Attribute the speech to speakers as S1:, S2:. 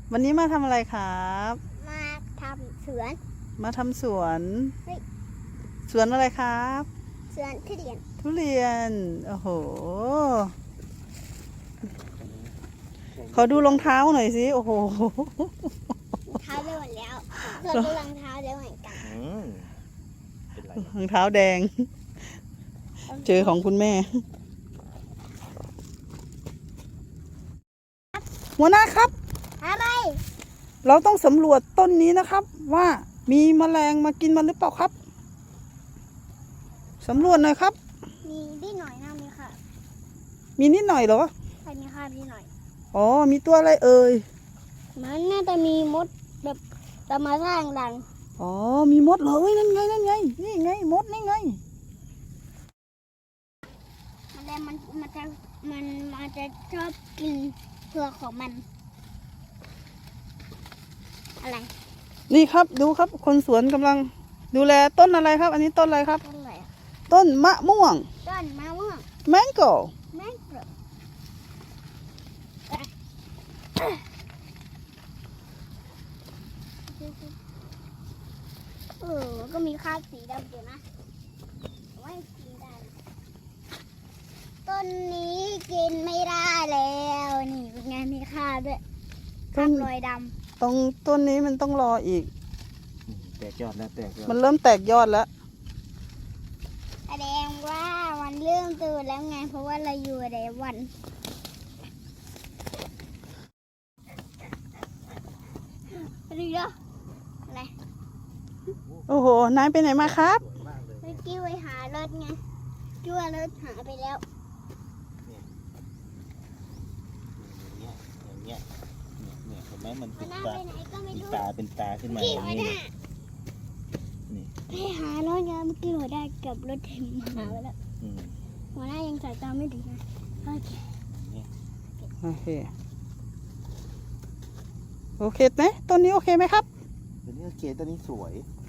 S1: วันนี้มาทำอะไรครับ
S2: มาทำสวน
S1: มาทำสวน
S2: เฮ้ย
S1: สวนอะไรครับ
S2: สวนทุเรียน
S1: ทุเรียน โอ้โห ขอดูรองเท้าหน่อยสิ โอ้โห
S2: เท้าได้หมดแล้วส่วนดูรองเท้าได้เหมือนกัน
S3: เป็นไร
S1: รองเท้าแดง เจอของคุณแม่ หัวหน้าครับ
S2: อะไร
S1: เราต้องสำรวจต้นนี้นะครับ ว่ามีแมลงมากินมันหรือเปล่าครับสำรวจหน่อยครับ
S2: มีนิดหน่อยนะมีค่ะ
S1: มีนิดหน่อยเหรอ
S2: ใครมีค่านิดหน่อย
S1: อ๋อ มีตัวอะไรเอ่ย
S2: มันน่าจะมีมดแบบตะมาสร้างดัง
S1: อ๋อ มีมดเหรอเฮ้ยนั่นไง นั่นไง นี่ไง มดนี่ไง
S2: มันจะชอบกินเผือกของมัน อะไร
S1: นี่ครับ ดูครับ คนสวนกำลังดูแลต้นอะไรครับ อันนี้ต้นอะไรครับ
S2: ต้นอะไรอะ
S1: ต้นมะม่วง
S2: ต้นมะม่วง
S1: แมงโก้
S2: แมงกรก็มีคราบสีดำอยู่นะไม่กินได้นะต้นนี้กินไม่ได้แล้วนี่เป็นไงมีคราบด้วยคราบรอยด
S1: ตรงต้นนี้มันต้องรออีก
S3: แตกยอดแล้วแตกยอด
S1: มันเริ่มแตกยอดแล้ว
S2: ำแสดงว่ามันเริ่มตื่นแล้วไงเพราะว่าเราอยู่ในวันอะไรเนาะอะไร
S1: โอ้โห นายไปไหนมาครับ
S2: เมื่อกี้ไปหารถไงชั่วรถหายไปแล้ว
S3: อย่างเงี้ยเนี่ยเห็นไหมมัน
S2: มั
S3: เป็น น
S2: น่า
S3: ตา
S2: ไปไหนก็ไม่
S3: เป็น
S2: รู้
S3: ตาเป็นตาขึ้นมา
S2: กี่
S3: อย่าง
S2: หัว
S3: นี้
S2: ห
S3: เล
S2: น้าย
S3: นี่
S2: ไปหารถไงเมื่อกี้หัวหน้าเกับรถเต็มหาไปแล้ว
S3: อืม
S2: หัวหน้ายังสายตาไม่ดีนะโอเค
S1: โอเค โอเคไหมต้นนี้โอเคไหมครับ
S3: ตัวนี้โอเคตัวนี้สวย
S1: โ